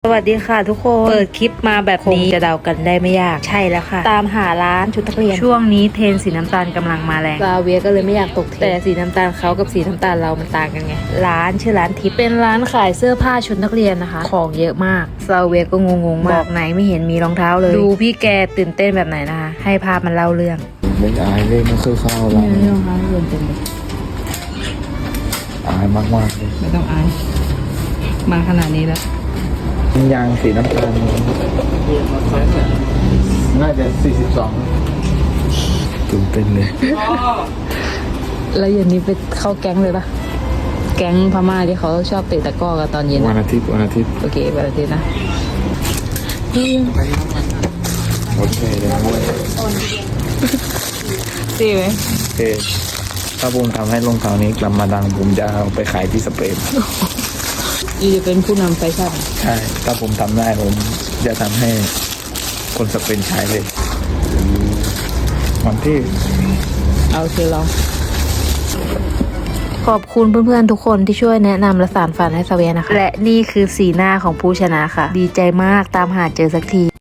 สวัสดีค่ะทุกคนเปิดคลิปมาแบบนี้จะเดากันได้ไม่ยากใช่แล้วค่ะตามหาร้านชุดนักเรียนช่วงนี้เทรนสีน้ำตาลกำลังมาแรงซาเวียก็เลยไม่อยากตกเทรนแต่สีน้ำตาลเขากับสีน้ำตาลเรามันต่างกันไงร้านชื่อร้านทิพย์เป็นร้านขายเสื้อผ้าชุดนักเรียนนะคะของเยอะมากซาเวียก็งงๆมากบอกไหนไม่เห็นมีรองเท้าเลยดูพี่แกตื่นเต้นแบบไหนนะคะให้ภาพมันเล่าเรื่องไม่อายเลยไม่เคยเข้าร้านไม่รองเท้าเรียนเต็มเลยอายมากๆเลยไม่ต้องอายมาขนาดนี้แล้วยางสีน้ำตาลน่าจะ42ตื่นเต้นเลยแล้วเย็นนี้ไปเข้าแก๊งเลยปะแก๊งพม่าที่เขาชอบเตะตะกร้อกันตอนเย็นวันอาทิตย์โอเควันอาทิตย์นะโอเคเลยดีไหมโอเคถ้าผมทำให้รองเท้านี้กลับมาดังผมจะเอาไปขายที่สเปนอีจะเป็นผู้นำแฟชั่นใช่ถ้าผมทำได้ผมจะทำให้คนสเปนใช้เลยวันที่เอาเชียลองขอบคุณเพื่อนๆทุกคนที่ช่วยแนะนำและสานฝันให้ซาเวียนะคะและนี่คือสีหน้าของผู้ชนะค่ะดีใจมากตามหาเจอสักที